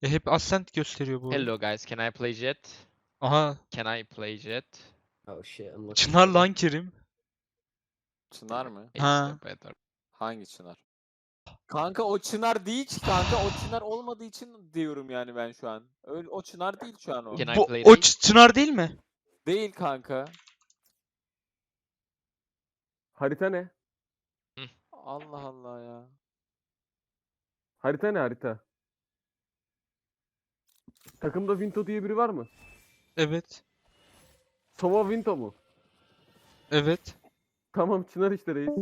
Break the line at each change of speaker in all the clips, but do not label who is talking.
Hep Ascent gösteriyor bu.
Hello guys, can I play Jet?
Aha.
Can I play Jet?
Oh shit, I'm looking.
Çınar lan Kerim.
Çınar mı?
It's
Ha.
better.
Hangi Çınar? Kanka o Çınar değil ki kanka. O Çınar olmadığı için diyorum yani ben şu an. Öyle, o Çınar değil şu an o.
Can I
Bu,
play
o
Raze?
Çınar değil mi?
Değil kanka.
Harita ne?
Allah Allah ya.
Harita ne harita? Takımda Vinto diye biri var mı?
Evet.
Sova Vinto mu?
Evet.
Tamam Çınar işte reis.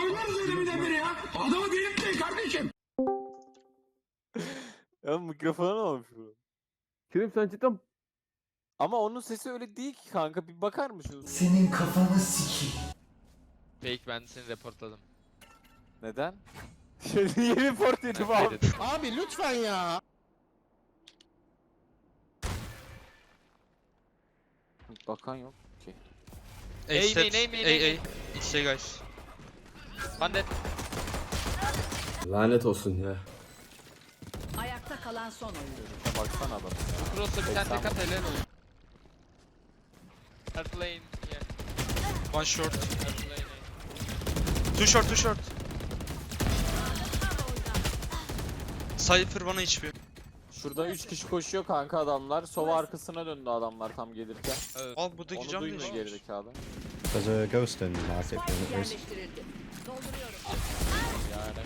Ya mikrofona ne olmuş bu?
Kerim sen cidden
Ama onun sesi öyle değil ki kanka. Bir bakar mısınız?
Senin kafanı sikeyim.
Fake, ben seni reportladım.
Neden? Niye report yedim
Ben
abi?
dedim.
Abi lütfen ya.
Bakan yok ki.
A
Ey,
steps.
ney, ney, ney,
A. It's A guys.
One dead.
Lanet olsun ya.
Ayakta kalan son oyuncu.
Ya baksana adam ya.
Cross'ta bir tane
80
tek at helal olsun. Her lane, yeah.
One short.
Her lane.
Two short, two short. Cypher bana HP.
Şurada 3 kişi koşuyor kanka adamlar. Sova arkasına döndü adamlar tam gelirken.
Evet.
Al buradaki
Onu
cam
duymuyor
değişmiş.
gerizekalı.
There's a ghost in market.
Spike yerleştirildi. Dolduruyorum.
Yani.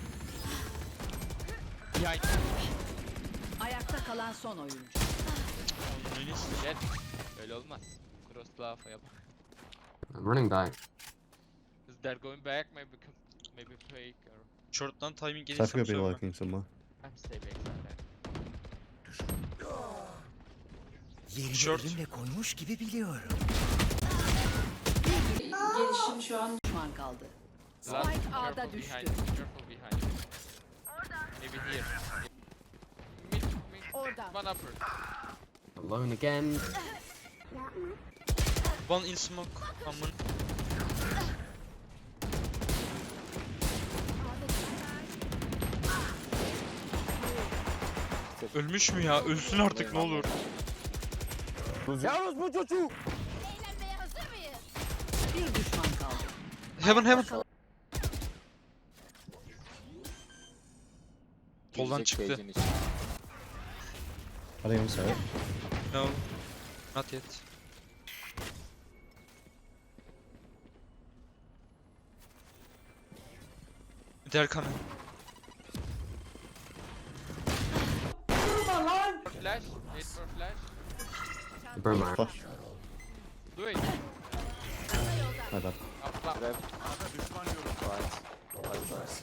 Behind.
Ayakta kalan son oyuncu.
Jet. Öyle olmaz. Cross laf'a yap.
I'm running back.
Because they're going back, maybe fake or...
Short'tan timing
Cypher
gelirsem
could be
sonra.
lurking somewhere.
I'm stay back somewhere.
Yerini
Short.
elimle koymuş gibi biliyorum.
Gelişim şu an düşman kaldı.
Last,
Spike A'da
careful
düştü.
behind, careful behind. Maybe here. Mid,
Orada.
one upper.
Alone again.
One in smoke. Aman. Ölmüş mü ya? Ölsün artık ne olur.
Yalnız bu çocuğu.
Bir düşman kaldı.
Heaven heaven.
Kalan-
Koldan
Girecek
çıktı.
cage'in içine.
I think I'm sorry.
No. Not yet. They're coming.
Flash, wait for flash.
Burn my.
Flash.
Do it.
My bad.
Up,
Rap. Right. Right.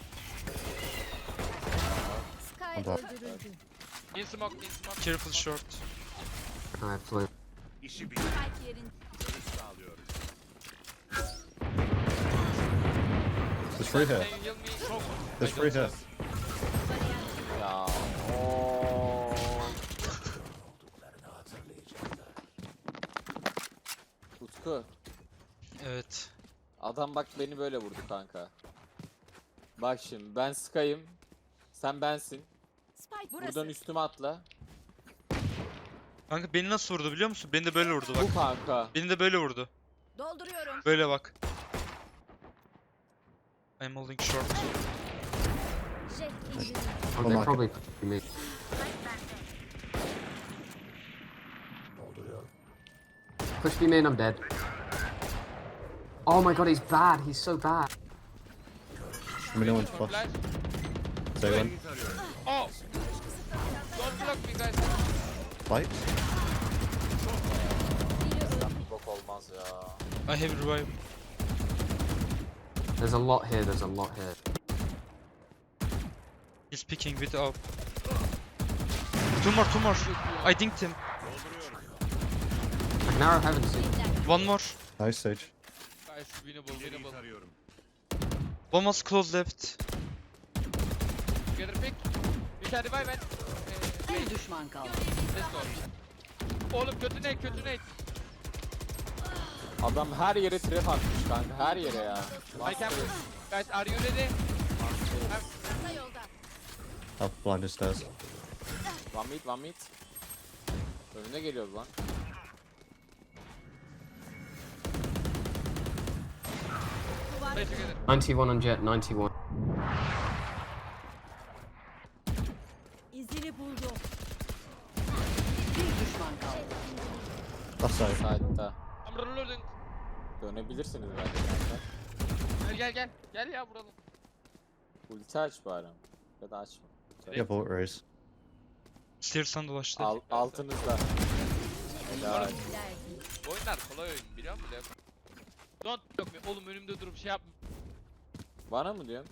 I'm bad.
in smoke, in smoke.
Careful short.
I flew.
There's three here.
Can you heal me?
There's three here.
Ya. Oo. Utku.
Evet.
Adam bak beni böyle vurdu kanka. Bak şimdi ben Sky'ım. Sen bensin.
Spike
Buradan
burası.
üstüme atla.
Kanka beni nasıl vurdu biliyor musun? Beni de böyle vurdu bak.
Bu kanka.
Beni de böyle vurdu.
Dolduruyorum.
Böyle bak. I'm holding short.
Oh, they
market.
probably me. Push me main, I'm dead. Oh my god, he's bad. He's so bad.
I mean, no one's
For
flash.
flash.
Say one.
Oh! Don't block me guys.
Fight.
Bok olmaz ya.
I have revive.
There's a lot here. There's a lot here.
He's picking with up. Two more, two more. I dinked him.
I can arrow heaven soon.
One more.
Nice Sage.
Guys, winnable, winnable.
One was close left.
Together pick. You can revive it.
Bir düşman kaldı.
Let's go. Oğlum kötü ne?
Adam her yere trap atmış kanka. Her yere ya.
I can push. Guys, are you ready?
I'll blind his stairs.
One mid. Önüne geliyoruz lan.
Play together.
91 on jet, 91.
İzini buldum. Bir düşman kaldı.
Left side.
Side'da.
I'm reloading.
Dönebilirsiniz bence kanka.
Gel. Gel ya vuralım.
Ulti aç bari. Ya da açma.
Yeah, bullet raise.
Stairs'tan dolaştı.
Altınızda. Helal.
Bu oyunlar kolay oyun biliyor musun? Leo? Don't yok be. Oğlum önümde durup şey yapma.
Bana mı diyorsun?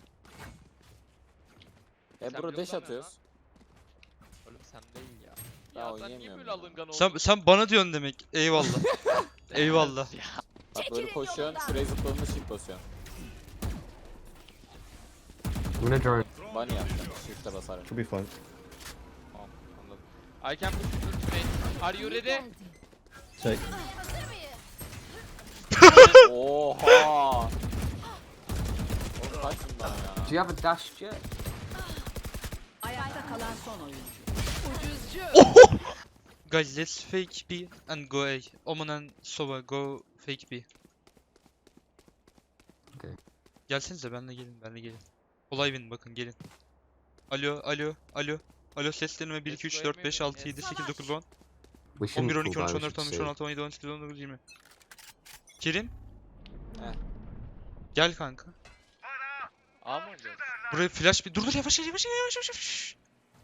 Sen
Bro dash
yoldan
atıyoruz.
Oğlum sen değil ya.
Ben
Ya sen niye
oynayamıyorum
böyle
ya.
alıngan oldun?
Sen bana diyorsun demek. Eyvallah. Eyvallah.
Ya.
Bak böyle
Çekilin
koşuyorsun,
yoldan.
şuraya zıpladığında shift basıyorsun.
I'm gonna drone.
Bunny yaptım, shift'e basarım.
Could be flank.
Tamam anladım. I can push ultimate. Are you ready?
Take.
Oha! Oğlum kaç bundan ya?
Do you have a dash jet?
Ayakta kalan son oyuncu.
Guys, let's fake B and go A. Omen and Sova go fake B.
Okay.
Gelsenize benle gelin. Olay win bakın gelin. Alo seslenme 1 2 3 4 5 6 7 8 9 10
We shouldn't
11 12
pull
13
that, we
14
should
15
save.
16 17 18 19 20. Kerim?
Heh.
Gel kanka.
A mı oynayacağız?
Buraya flash bir dur yavaş.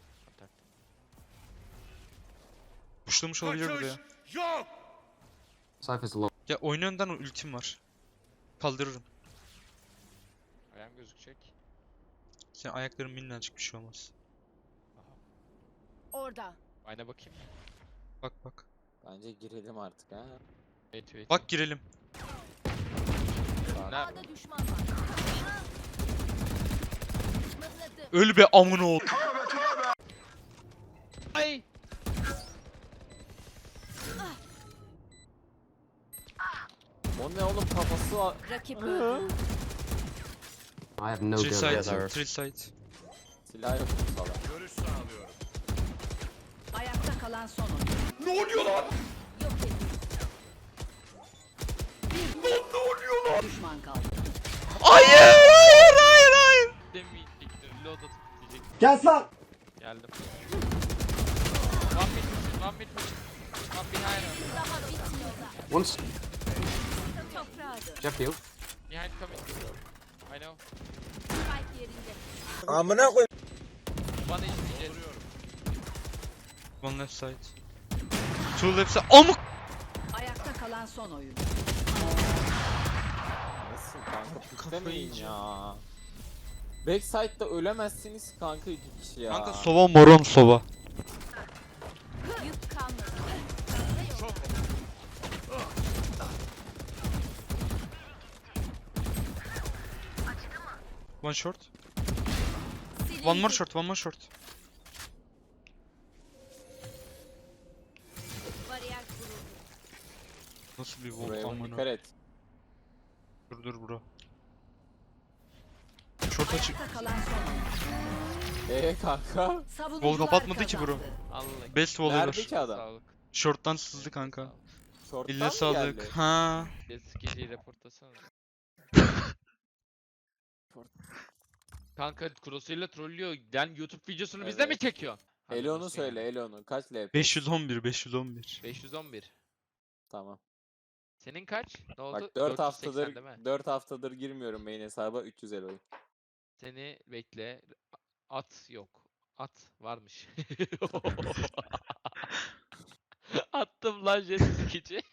Puşlamış olabilir buraya.
Cypher's low.
Ya oyun önden o ultim var. Kaldırırım.
Ayağım gözükecek.
Senin ayakların minnacık bir şey olmaz.
Orada.
Ayna bakayım.
Bak.
Bence girelim artık ha.
Wait.
Bak girelim.
Nerede?
A'da düşman var. Mıhladım.
Öl be amına ol.
Ay!
O ne oğlum kafası var.
Rakip öldü.
I have no
Three
gun.
side,
Yeah, there.
three side.
Silah yok bu salak.
Ayakta kalan son oyuncu. Ne oluyor lan? Yok edin. Ne oluyor lan? Düşman kaldı.
Hayır.
Demeyecektim. Reload atıp diyecektim.
Gel lan.
Geldim. One mid push. One behind us.
Daha bitmiyor da.
Once.
Toprağı.
Jet field.
Behind coming. I know.
Spike yerinde.
Amına koy.
Bana izleyeceğiz.
One left side. Two left side. Amık.
Ayakta kalan son oyuncu.
Nasıl kanka piklemeyin ya. Backside'da ölemezsiniz kanka iki kişi ya.
Kanka sova moron sova.
Yük kalmadı.
One short.
Silindi.
One more short.
Bariyer kuruldu.
Nasıl bir
Buraya
volt
dikkat
amına.
et.
Dur bro. Short açık.
Ayakta kalan son oyuncu.
Kanka.
Savunucular
kapatmadı ki bro.
kazandı.
Allah.
Best wall'ı
Nerede
var.
ki adam?
Sağlık.
Short'tan sızdı kanka.
Short'tan
Eline
mı
sağlık.
geldi?
Ha.
Geceyi reportlasana. Kanka Crosshair'la trollüyor. Yani YouTube videosunu bizde mi
Evet.
çekiyorsun? Hadi
Elon'u
Crosshair.
söyle Elon'u. Kaç LP?
511.
511.
Tamam.
Senin kaç? Ne oldu?
Bak 4 haftadır
480 değil mi?
4 haftadır girmiyorum main hesaba 300 Elo.
Seni bekle. At yok. At varmış. Attım lan jet skici.